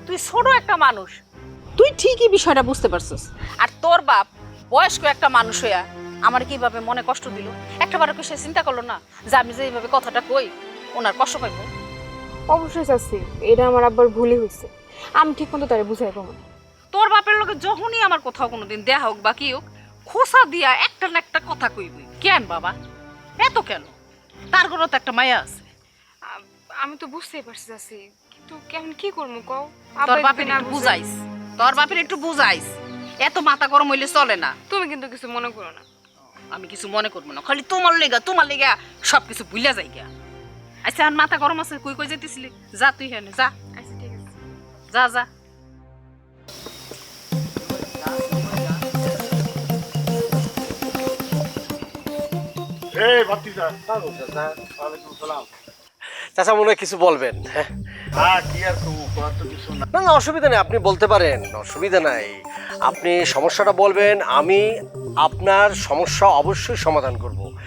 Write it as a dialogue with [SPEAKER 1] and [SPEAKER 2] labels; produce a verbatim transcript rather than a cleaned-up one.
[SPEAKER 1] তুই ছোট একটা মানুষ,
[SPEAKER 2] তুই ঠিকই বিষয়টা বুঝতে পারছিস।
[SPEAKER 1] আর তোর বাপ বয়স্ক একটা মানুষ হইয়া আমার কিভাবে মনে কষ্ট দিল, একটাবারও কি সে চিন্তা করলো না যে আমি যে এইভাবে কথাটা কই ওনার কষ্ট পাইব?
[SPEAKER 3] অবশ্যই চাচ্ছি, এটা আমার আব্বার ভুলই হয়েছে। আমি ঠিক মতো তারে বুঝাই পাবো না।
[SPEAKER 1] তোর বাপের লোকে যখনই আমার কোথাও কোনোদিন দেয়া হোক বা কি হোক, খোসা দিয়া একটা না একটা কথা কইবই। কেন বাবা, এত কেন? তার ঘরে তো একটা মায়া আছে।
[SPEAKER 3] আ- আমি তো বুঝতেই পারছি চাচ্ছি, কিন্তু কেমন কি করবো কও?
[SPEAKER 1] তোর
[SPEAKER 3] আব্বা
[SPEAKER 1] বাপের
[SPEAKER 3] যদি না
[SPEAKER 1] একটু
[SPEAKER 3] বুঝে-
[SPEAKER 1] বুঝাইস, তোর বাপের একটু বুঝাইস, এত মাথা গরম হইলে চলে না।
[SPEAKER 3] তুমি কিন্তু কিছু মনে করো না।
[SPEAKER 1] আমি কিছু মনে করবো না, খালি তোমার লেগা তোমার লেগা সবকিছু ভুলে যাই গা। আচ্ছা আর মাথা গরম আছে, কই কই যেতেছিলি? যা তুই হেনে যা,
[SPEAKER 3] আচ্ছা ঠিক আছে।
[SPEAKER 1] যা যা।
[SPEAKER 4] এই ভাতিজা ওয়ালাইকুম সালাম।
[SPEAKER 5] চাচা মনে হয় কিছু বলবেন? হ্যাঁ
[SPEAKER 4] হ্যাঁ কি আর কমু, করার তো কিছু না।
[SPEAKER 5] না না অসুবিধা নেই, আপনি বলতে পারেন, অসুবিধা নাই। আপনি সমস্যাটা বলবেন, আমি আপনার সমস্যা অবশ্যই সমাধান করব।